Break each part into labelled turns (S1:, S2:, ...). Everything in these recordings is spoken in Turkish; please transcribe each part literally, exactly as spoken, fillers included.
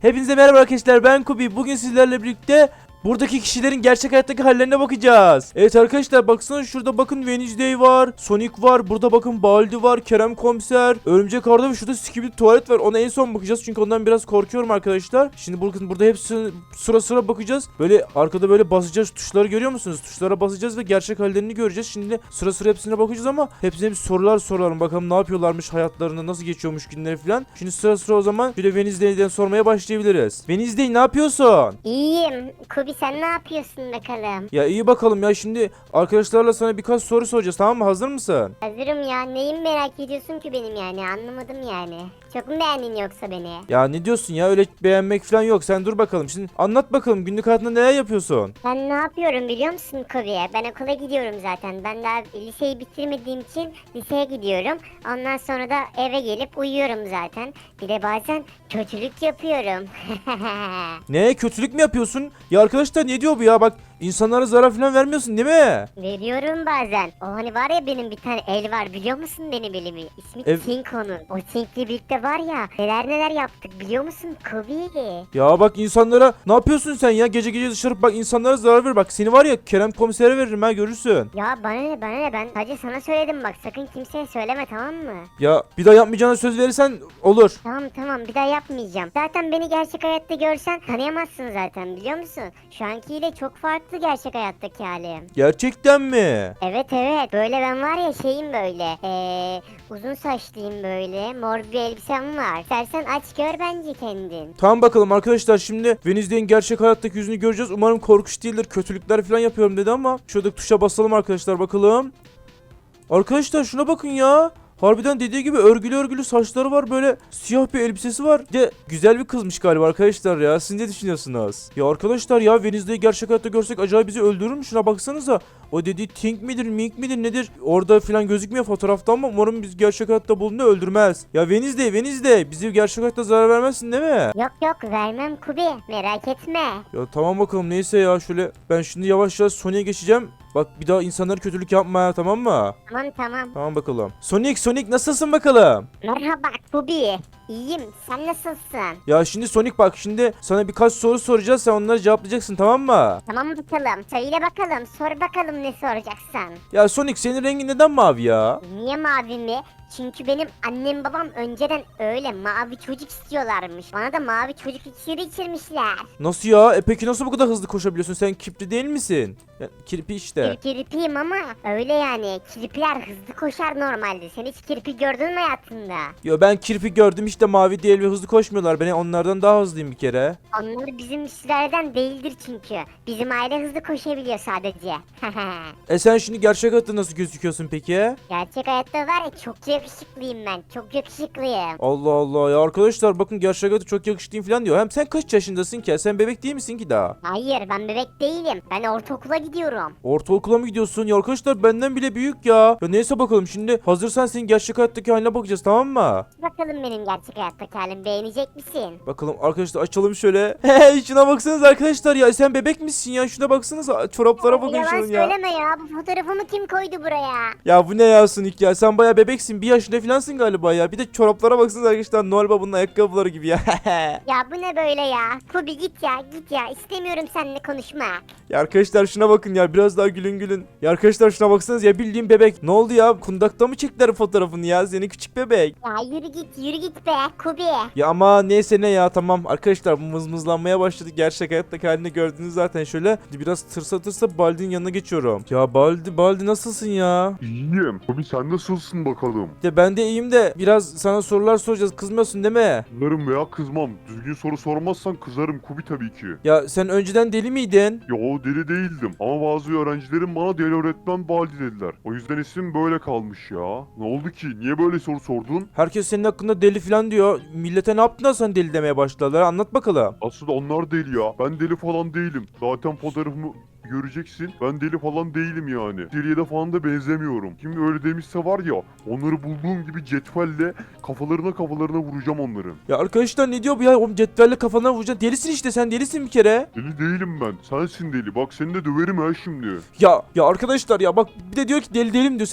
S1: Hepinize merhaba arkadaşlar, ben Kubi. Bugün sizlerle birlikte buradaki kişilerin gerçek hayattaki hallerine bakacağız. Evet arkadaşlar, baksana şurada bakın Wednesday var, Sonic var, burada bakın Baldi var, Kerem Komiser, Örümcek Arda ve şurada Skibidi Tuvalet var. Ona en son bakacağız çünkü ondan biraz korkuyorum arkadaşlar. Şimdi bakın burada hepsi sıra sıra bakacağız. Böyle arkada böyle basacağız, tuşları görüyor musunuz? Tuşlara basacağız ve gerçek hallerini göreceğiz. Şimdi sıra sıra hepsine bakacağız ama hepsine bir sorular soralım. Bakalım ne yapıyorlarmış hayatlarında, nasıl geçiyormuş günleri falan. Şimdi sıra sıra o zaman şöyle Wednesday'den sormaya başlayabiliriz. Wednesday, ne yapıyorsun?
S2: İyiyim. Kubi sen ne yapıyorsun bakalım?
S1: Ya iyi bakalım ya, şimdi arkadaşlarla sana birkaç soru soracağız, tamam mı? Hazır mısın?
S2: Hazırım ya. Neyin merak ediyorsun ki benim yani? Anlamadım yani. Çok mu beğendin yoksa beni?
S1: Ya ne diyorsun ya, öyle beğenmek falan yok. Sen dur bakalım, şimdi anlat bakalım, günlük hayatında neler yapıyorsun?
S2: Ben ne yapıyorum biliyor musun Kubi? Ben okula gidiyorum zaten. Ben daha liseyi bitirmediğim için liseye gidiyorum. Ondan sonra da eve gelip uyuyorum zaten. Bir de bazen kötülük yapıyorum.
S1: Ne, kötülük mü yapıyorsun? Ya arkadaşlar, ne diyor bu ya? Bak, insanlara zarar falan vermiyorsun değil mi?
S2: Veriyorum bazen. O hani var ya, benim bir tane el var biliyor musun benim elimi? İsmi
S1: Ev-
S2: Tink onun. O Tink'le birlikte var ya, neler neler yaptık biliyor musun Kubi?
S1: Ya bak, insanlara ne yapıyorsun sen ya? Gece gece dışarı bak, insanlara zarar ver. Bak seni var ya, Kerem Komiser'e veririm ha, görürsün.
S2: Ya bana ne bana ne, ben sadece sana söyledim, bak sakın kimseye söyleme, tamam mı?
S1: Ya bir daha yapmayacağına söz verirsen olur.
S2: Tamam tamam, bir daha yapmayacağım. Zaten beni gerçek hayatta görsen tanıyamazsın zaten, biliyor musun? Şu ankiyle çok farklı gerçek hayattaki halim.
S1: Gerçekten mi?
S2: Evet evet, böyle ben var ya şeyim böyle. Eee uzun saçlıyım böyle, mor bir elbisem var. İstersen aç gör bence kendin.
S1: Tamam bakalım arkadaşlar, şimdi Wednesday'in gerçek hayattaki yüzünü göreceğiz. Umarım korkunç değildir. Kötülükler falan yapıyorum dedi ama şuradaki tuşa basalım arkadaşlar, bakalım. Arkadaşlar şuna bakın ya. Harbiden dediği gibi örgülü örgülü saçları var, böyle siyah bir elbisesi var. Bir de güzel bir kızmış galiba arkadaşlar ya. Siz ne düşünüyorsunuz? Ya arkadaşlar ya, Wednesday'i gerçek hayatta görsek acaba bizi öldürür mü? Şuna baksanıza. O dediği Tink midir, Mink midir nedir? Orada falan gözükmüyor fotoğrafta ama umarım biz gerçek hayatta bulduğunda öldürmez. Ya Wednesday, Wednesday, bizi gerçek hayatta zarar vermezsin değil mi?
S2: Yok yok, vermem Kubi, merak etme.
S1: Ya tamam bakalım, neyse ya, şöyle ben şimdi yavaş yavaş Sonic'e geçeceğim. Bak bir daha insanlara kötülük yapma ya, tamam mı?
S2: Tamam tamam.
S1: Tamam bakalım. Sonic, Sonic nasılsın bakalım?
S2: Merhaba Kubi. İyiyim, sen nasılsın?
S1: Ya şimdi Sonic bak, şimdi sana birkaç soru soracağız, sen onları cevaplayacaksın, tamam mı?
S2: Tamam bakalım, söyle bakalım, sor bakalım ne soracaksın?
S1: Ya Sonic, senin rengin neden mavi ya?
S2: Niye mavi mi? Çünkü benim annem babam önceden öyle mavi çocuk istiyorlarmış. Bana da mavi çocuk iksiri içirmişler.
S1: Nasıl ya? E peki nasıl bu kadar hızlı koşabiliyorsun? Sen kirpi değil misin? Ya, kirpi işte.
S2: Bir kirpiyim ama öyle yani. Kirpiler hızlı koşar normalde. Sen hiç kirpi gördün mü hayatında?
S1: Ya ben kirpi gördüm işte, mavi değil ve hızlı koşmuyorlar. Ben onlardan daha hızlıyım bir kere.
S2: Onlar bizim sülaleden değildir çünkü. Bizim aile hızlı koşabiliyor sadece.
S1: E sen şimdi gerçek hayatta nasıl gözüküyorsun peki?
S2: Gerçek hayatta var ya, çok yakışıklıyım ben. Çok yakışıklıyım.
S1: Allah Allah ya arkadaşlar, bakın gerçek hayatta çok yakışıklıyım falan diyor. Hem sen kaç yaşındasın ki? Sen bebek değil misin ki daha?
S2: Hayır, ben bebek değilim. Ben ortaokula gidiyorum.
S1: Ortaokula mı gidiyorsun? Ya arkadaşlar benden bile büyük ya. Ya neyse bakalım, şimdi hazırsan senin gerçek hayattaki haline bakacağız, tamam mı?
S2: Bakalım benim gerçek hayattaki halim, beğenecek misin?
S1: Bakalım arkadaşlar, açalım şöyle. Hey, şuna baksanız arkadaşlar ya, sen bebek misin ya? Şuna baksanıza, çoraplara bakın
S2: Yalan
S1: şunun ya.
S2: söyleme ya. Bu fotoğrafımı kim koydu buraya?
S1: Ya bu ne ya Sonic ya, sen baya bebeksin, bir yaşında falansın galiba ya. Bir de çoraplara baksanız arkadaşlar, Noel Baba'nın ayakkabıları gibi ya.
S2: Ya bu ne böyle ya? Kubi git ya, git ya. İstemiyorum seninle konuşmak.
S1: Ya arkadaşlar şuna bakın ya, biraz daha gülün gülün. Ya arkadaşlar şuna baksanız ya, bildiğin bebek. Ne oldu ya, kundakta mı çektiler fotoğrafını ya, seni küçük bebek?
S2: Ya yürü git, yürü git be Kubi.
S1: Ya ama neyse ne ya, tamam arkadaşlar, bu mızmızlanmaya başladı. Gerçek hayattaki halini gördünüz zaten. Şöyle biraz tırsa tırsa Baldi'nin yanına geçiyorum. Ya Baldi, Baldi nasılsın ya?
S3: İyiyim. Tabii sen nasılsın bakalım?
S1: Ya ben de iyiyim de biraz sana sorular soracağız, kızmıyorsun değil mi?
S3: Kızarım veya kızmam. Düzgün soru sormazsan kızarım Kubi tabii ki.
S1: Ya sen önceden deli miydin?
S3: Yo, deli değildim. Ama bazı öğrencilerim bana deli öğretmen Baldi dediler. O yüzden isim böyle kalmış ya. Ne oldu ki? Niye böyle soru sordun?
S1: Herkes senin hakkında deli falan diyor. Millete ne yaptın da sen deli demeye başladılar, anlat bakalım.
S3: Aslında onlar deli ya. Ben deli falan değilim. Zaten fotoğrafımı göreceksin. Ben deli falan değilim yani. Deliye de falan da benzemiyorum. Kim öyle demişse var ya, onları bulduğum gibi cetvelle kafalarına kafalarına vuracağım onların.
S1: Ya arkadaşlar ne diyor bu ya? Oğlum cetvelle kafana vuracaksın. Delisin işte, sen delisin bir kere.
S3: Deli değilim ben. Sensin deli. Bak seni de döverim ha şimdi.
S1: Ya ya arkadaşlar ya, bak bir de diyor ki deli değilim diyor. Sen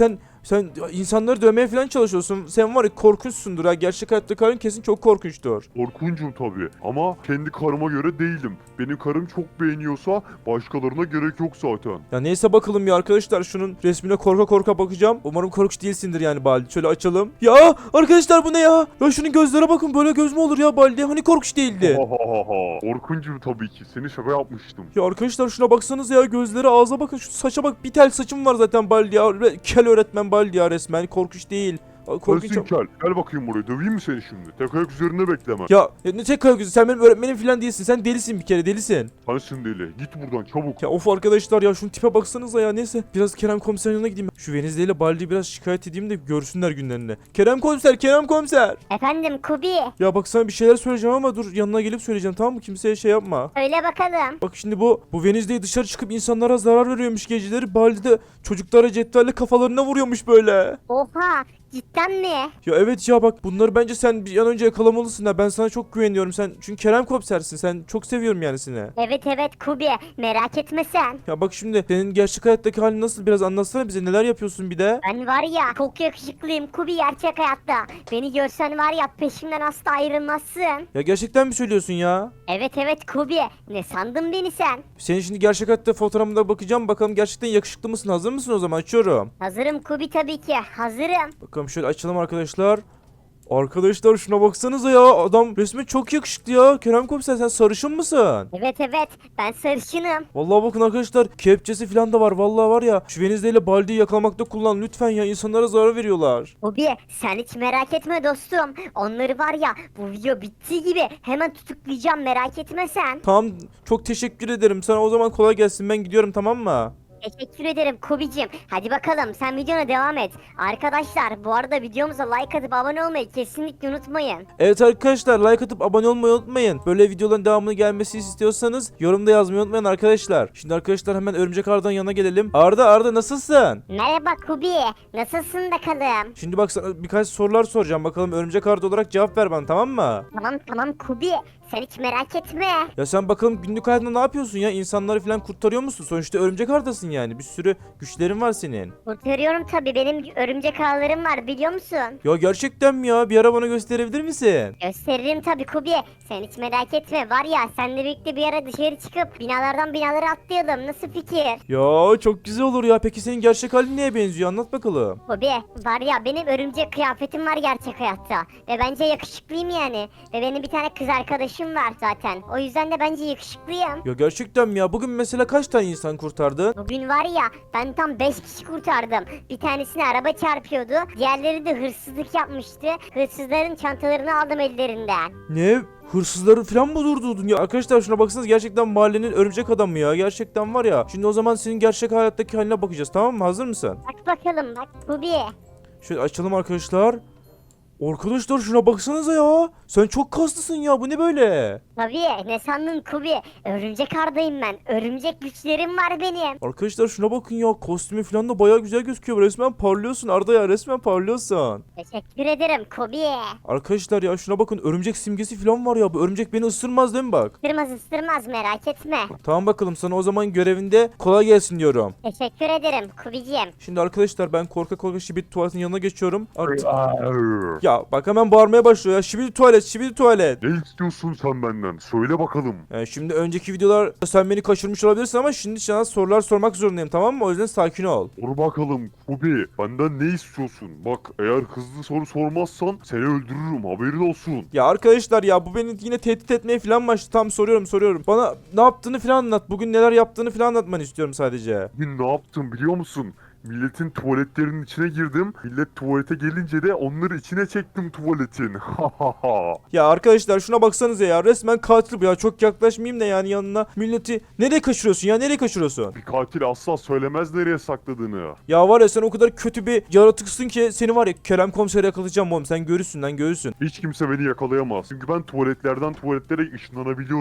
S1: Sen insanları dövmeye falan çalışıyorsun. Sen var ya korkunçsundur ha. Gerçek hayattaki halin kesin çok korkunçtur.
S3: Korkuncum tabii ama kendi karıma göre değilim. Benim karım çok beğeniyorsa başkalarına gerek yok zaten.
S1: Ya neyse bakalım ya arkadaşlar, şunun resmine korka korka bakacağım. Umarım korkunç değilsindir yani Baldi. Şöyle açalım. Ya arkadaşlar bu ne ya? Ya şunun gözlere bakın, böyle göz mü olur ya Baldi? Hani korkunç değildi.
S3: Ha ha ha ha. Korkuncum tabii ki. Seni şaka yapmıştım.
S1: Ya arkadaşlar şuna baksanıza ya, gözleri, ağza bakın, şu saça bak, bir tel saçım var zaten Baldi ya. Re- Kel öğretmen Baldi ya, resmen korkunç değil. Aa, korkunç.
S3: Gelsin kel. Gel bakayım buraya. Döveyim mi seni şimdi? Tek ayak üzerinde bekleme.
S1: Ya, ya ne tek ayak yüzü, sen benim öğretmenim falan değilsin. Sen delisin bir kere, delisin.
S3: Sensin deli. Git buradan çabuk.
S1: Ya of arkadaşlar ya, şunun tipe baksanıza ya. Neyse biraz Kerem komiserin yanına gideyim. Şu Venizde ile Baldi'yi biraz şikayet edeyim de görsünler günlerini. Kerem komiser, Kerem komiser.
S2: Efendim Kubi.
S1: Ya bak sana bir şeyler söyleyeceğim ama dur, yanına gelip söyleyeceğim, tamam mı? Kimseye şey yapma.
S2: Söyle bakalım.
S1: Bak şimdi bu bu Venizde'yi dışarı çıkıp insanlara zarar veriyormuş geceleri. Baldi de çocuklara cetvelle kafalarına vuruyormuş böyle.
S2: Oha. Cidden mi?
S1: Ya evet ya, bak bunları bence sen bir an önce yakalamalısın ha. Ben sana çok güveniyorum. Sen çünkü Kerem komisersin. Sen çok seviyorum yani seni.
S2: Evet evet Kubi. Merak etme sen.
S1: Ya bak şimdi senin gerçek hayattaki halin nasıl, biraz anlatsana bize, neler yapıyorsun bir de.
S2: Ben var ya çok yakışıklıyım Kubi gerçek hayatta. Beni görsen var ya peşimden asla ayrılmazsın.
S1: Ya gerçekten mi söylüyorsun ya?
S2: Evet evet Kubi. Ne sandın beni sen?
S1: Senin şimdi gerçek hayatta fotoğrafına bakacağım, bakalım gerçekten yakışıklı mısın? Hazır mısın o zaman? Açıyorum.
S2: Hazırım Kubi tabii ki. Hazırım.
S1: Bakalım şöyle açalım arkadaşlar. Arkadaşlar şuna baksanıza ya, adam resmen çok yakışıklı ya. Kerem komiser, sen sarışın mısın?
S2: Evet evet ben sarışınım.
S1: Vallahi bakın arkadaşlar, kepçesi falan da var. Vallahi var ya, şu Venizde ile Baldi'yi yakalamakta kullan lütfen ya, insanlara zarar veriyorlar.
S2: Kubi sen hiç merak etme dostum. Onları var ya bu video bittiği gibi hemen tutuklayacağım merak etme sen.
S1: Tamam, çok teşekkür ederim sana, o zaman kolay gelsin, ben gidiyorum, tamam mı?
S2: Teşekkür ederim Kubicim. Hadi bakalım sen videona devam et. Arkadaşlar bu arada videomuza like atıp abone olmayı kesinlikle unutmayın.
S1: Evet arkadaşlar, like atıp abone olmayı unutmayın. Böyle videoların devamını gelmesini istiyorsanız yorumda yazmayı unutmayın arkadaşlar. Şimdi arkadaşlar hemen Örümcek Arda'nın yanına gelelim. Arda Arda nasılsın?
S2: Merhaba Kubi. Nasılsın bakalım?
S1: Şimdi bak sana birkaç sorular soracağım, bakalım Örümcek Arda olarak cevap ver bana, tamam mı?
S2: Tamam tamam Kubi. Sen hiç merak etme.
S1: Ya sen bakalım günlük hayatında ne yapıyorsun ya? İnsanları falan kurtarıyor musun? Sonuçta Örümcek Arda'sın yani. Bir sürü güçlerin var senin.
S2: Kurtarıyorum tabii. Benim örümcek ağlarım var biliyor musun?
S1: Ya gerçekten mi ya? Bir ara bana gösterebilir misin?
S2: Gösteririm tabii Kubi. Sen hiç merak etme. Var ya seninle birlikte bir ara dışarı çıkıp binalardan binalara atlayalım. Nasıl fikir?
S1: Ya çok güzel olur ya. Peki senin gerçek halin neye benziyor? Anlat bakalım.
S2: Kubi var ya benim örümcek kıyafetim var gerçek hayatta. Ve bence yakışıklıyım yani. Ve benim bir tane kız arkadaşım var zaten. O yüzden de bence yakışıklıyım.
S1: Ya gerçekten mi ya? Bugün mesela kaç tane insan kurtardın?
S2: Bugün var ya ben tam beş kişi kurtardım. Bir tanesine araba çarpıyordu. Diğerleri de hırsızlık yapmıştı. Hırsızların çantalarını aldım ellerinden.
S1: Ne? Hırsızları falan mı durdurdun ya? Arkadaşlar şuna baksanız, gerçekten mahallenin örümcek adamı ya. Gerçekten var ya. Şimdi o zaman senin gerçek hayattaki haline bakacağız, tamam mı? Hazır mısın?
S2: Bak bakalım bak Kubi.
S1: Şöyle açalım arkadaşlar. Arkadaşlar şuna baksanıza ya. Sen çok kaslısın ya. Bu ne böyle?
S2: Tabii ne sandın Kubi? Örümcek Arda'yım ben. Örümcek güçlerim var benim.
S1: Arkadaşlar şuna bakın ya. Kostümü falan da bayağı güzel gözüküyor. Resmen parlıyorsun Arda ya. Resmen parlıyorsun.
S2: Teşekkür ederim Kubi.
S1: Arkadaşlar ya şuna bakın. Örümcek simgesi falan var ya. Bu örümcek beni ısırmaz değil mi bak?
S2: Isırmaz ısırmaz merak etme.
S1: Tamam bakalım, sana o zaman görevinde kolay gelsin diyorum.
S2: Teşekkür ederim Kubicim.
S1: Şimdi arkadaşlar ben korka korka Şibit tuvaletin yanına geçiyorum. Artık...
S3: Arr.
S1: Ya bak hemen bağırmaya başlıyor ya. Şibit tuvalet, Şibit tuvalet.
S3: Ne istiyorsun sen benden? Söyle bakalım.
S1: Yani şimdi önceki videolar sen beni kaçırmış olabilirsin ama şimdi sana sorular sormak zorundayım, tamam mı? O yüzden sakin ol.
S3: Sor bakalım Kubi. Benden ne istiyorsun? Bak eğer hızlı soru sormazsan seni öldürürüm. Haberin olsun.
S1: Ya arkadaşlar ya, bu beni yine tehdit etmeye falan başladı. Tam soruyorum soruyorum. Bana ne yaptığını falan anlat. Bugün neler yaptığını falan anlatmanı istiyorum sadece.
S3: Bugün ne yaptım biliyor musun? Milletin tuvaletlerinin içine girdim. Millet tuvalete gelince de onları içine çektim tuvaletin. Ha ha ha.
S1: Ya arkadaşlar şuna baksanıza ya. Resmen katil bu ya. Çok yaklaşmayayım da yani yanına. Milleti nereye kaçırıyorsun ya? Nereye kaçırıyorsun?
S3: Bir katil asla söylemez nereye sakladığını.
S1: Ya var ya, sen o kadar kötü bir yaratıksın ki seni var ya Kerem komiseri yakalayacağım oğlum. Sen görürsün lan, görürsün.
S3: Hiç kimse beni yakalayamaz. Çünkü ben tuvaletlerden tuvaletlere ışınlanabiliyorum.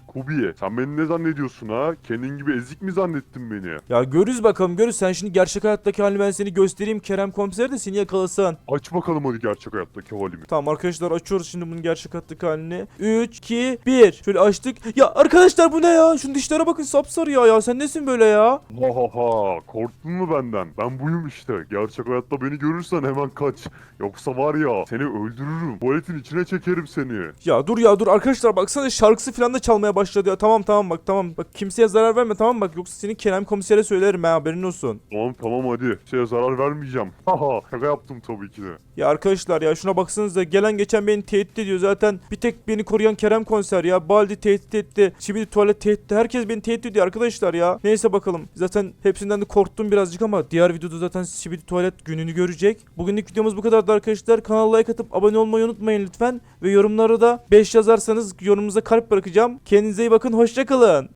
S3: Kubi, sen beni ne zannediyorsun ha? Kendin gibi ezik mi zannettin beni?
S1: Ya görürüz bakalım görürüz. Sen şimdi gerçek hayattaki halini ben seni göstereyim. Kerem komiser de seni yakalasın.
S3: Aç bakalım hadi gerçek hayattaki halimi.
S1: Tamam arkadaşlar açıyoruz şimdi bunun gerçek hayattaki halini. üç, iki, bir. Şöyle açtık. Ya arkadaşlar bu ne ya? Şunun dişlere bakın sapsarı ya. Ya sen nesin böyle ya?
S3: Ha ha ha, korktun mu benden? Ben buyum işte. Gerçek hayatta beni görürsen hemen kaç. Yoksa var ya seni öldürürüm. Tuvaletin içine çekerim seni.
S1: Ya dur ya dur arkadaşlar baksana şarkısı falan da çalmaya başladı ya. Tamam tamam bak tamam. Bak kimseye zarar verme tamam mı? Bak yoksa seni Kerem komisere söylerim ha haberin olsun.
S3: Tamam tamam hadi. Şeye zarar vermeyeceğim. Haha, şaka yaptım tabii ki de.
S1: Ya arkadaşlar ya şuna baksanıza gelen geçen beni tehdit ediyor zaten bir tek beni koruyan Kerem komiser ya. Baldi tehdit etti. Çibili tuvalet tehdit etti. Herkes beni tehdit ediyor arkadaşlar ya. Neyse bakalım. Zaten hepsinden de korktum birazcık ama diğer videoda zaten Çibili tuvalet gününü görecek. Bugünlük videomuz bu kadardı arkadaşlar. Kanala like atıp abone olmayı unutmayın lütfen. Ve yorumlara da beş yazarsanız yorumunuza kalp bırakacağım. Kendinize iyi bakın. Hoşça kalın.